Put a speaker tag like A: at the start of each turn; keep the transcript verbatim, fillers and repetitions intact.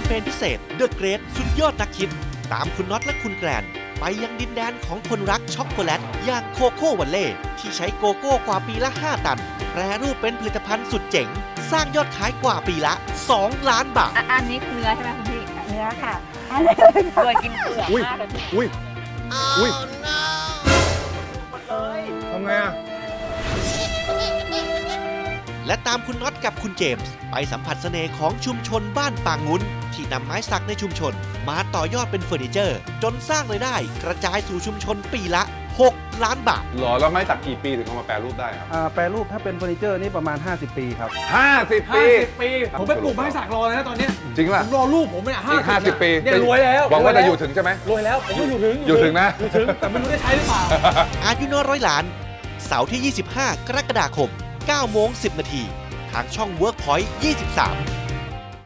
A: เปญพิเศษ The Great สุดยอดนักคิด ตามคุณน็อตและคุณแกรนไปยังดินแดนของคนรักช็อกโกแลตอย่างโคโค่วันเล่ที่ใช้โกโก้กว่าปีละ ห้า ตัน แปรรูปเป็นผลิตภัณฑ์สุดเจ๋ง สร้างยอดขายกว่าปีละ สอง ล้านบาท
B: อ่ะอันนี้คือเนื้อใช่ไหมคุณพี่
C: เนื้อค่ะ
B: อันนี้โดยกินเปลือก
D: อุ้ย
B: มากเลยพี่
D: อุ้ยอุ้ย
B: หมดเลย
D: ทำไงอ่ะ
A: และตามคุณน็อตกับคุณเจมส์ไปสัมผัสเสน่ห์ของชุมชนบ้านปางงุ้นที่นำไม้สักในชุมชน มาต่อยอดเป็นเฟอร์นิเจอร์ จนสร้างรายได้กระจายสู่ชุมชนปีละ หก ล้านบาท
D: หรอแล้วไม้สักกี่ปีถึงเอามาแปรรูปได้ครับ
E: อ่าแปรรูปถ้าเป็นเฟอร์นิเจอร์นี่ประมาณ ห้าสิบ ปีครับ
D: ห้าสิบ
F: ห้า
D: ปี
F: สิบปี ผมไปปลูกไม้สักรอเลยนะตอนเนี้ย
D: จริง
F: ผ
D: ป่ะ
F: มรอลูกผมเนี่ย
D: อีกห้าสิบปี
F: เนี่ยรวยแล้ว
D: หวังว่าจะอยู่
F: ร
D: ถึงใช่ไหม
F: รวยแล้วผมก็อยู่ถึง
D: อยู่ถึงนะ
F: อยู่ถึงแต่ไม่รู้ได้ใช้หรือเปล่า
A: อายุน้อยร้อยล้าน เสาร์ที่ ยี่สิบห้า กรกฎาคม เก้าโมงสิบนาที ทางช่อง Workpoint ยี่สิบสาม